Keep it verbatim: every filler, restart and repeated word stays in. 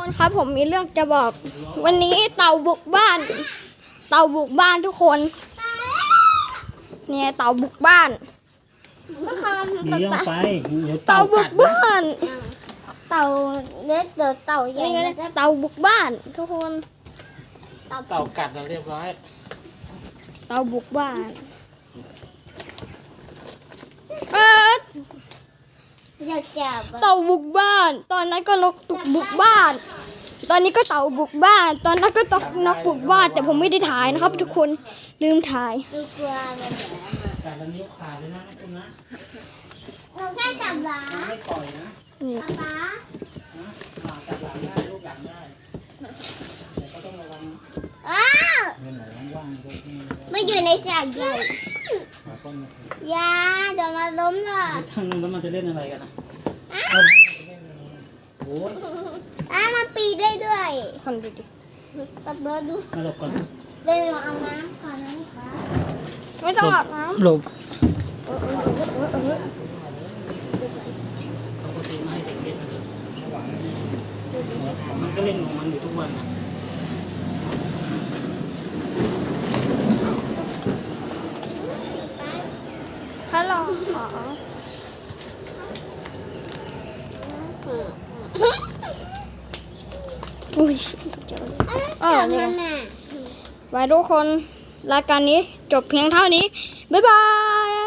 คนครับผมมีเรื่องจะบอกวันนี้เต่าบุกบ้านเต่าบุกบ้านทุกคนเนี่ยเต่าบุกบ้านมีเรื่องไปเดี๋ยวเต่าเต่าบุกักดนะบ้านเต่าเล็กเดี๋ยวเต่าใหญ่นี่ไงนะเต่าบุกบ้านทุกคนเต่ากัดนะเรียบร้อยเต่าบุกบ้านเอออยากจับเต่าบุกบ้าน ตอนนั้นก็นกตุกบุกบ้าน ตอนนี้ก็เต่าบุกบ้าน ตอนนั้นก็ตกนกบุกบ้านแต่ผมไม่ได้ถ่ายนะครับ ทุกคนลืมถ่ายดูกลัวมันกัดแล้วนิ้วขาดเลยนะคุณนะหนูแค่จับหลังไม่ปล่อยนะนี่ป๊านะอ่าจับหลังได้ลูกหลังได้แต่ก็ต้องระวังอ้าวเงินไหลว่างๆด้วยที่ไม่อยู่ในสายใหญ่หาต้นยาเดี๋ยวมาล้มเลยทางนู้นแล้วมันจะเล่นอะไรกันนะโอ้ยอ้ามันปีได้ด้วยคนดูดิปัดเบิร์ดดูมาหลบก่อนเดินเอาน้ำก่อนนะคะไม่ต้องอาบน้หลบำเออเออเออเออเออปกติไม่ให้เด็กเล่นเลยมันก็เล่นของมันอยู่ทุกวันนะฮัลโหลอุ้ยเจอเออมันน่ะไว้ทุกคนรายการนี้จบเพียงเท่านี้ บ๊ายบาย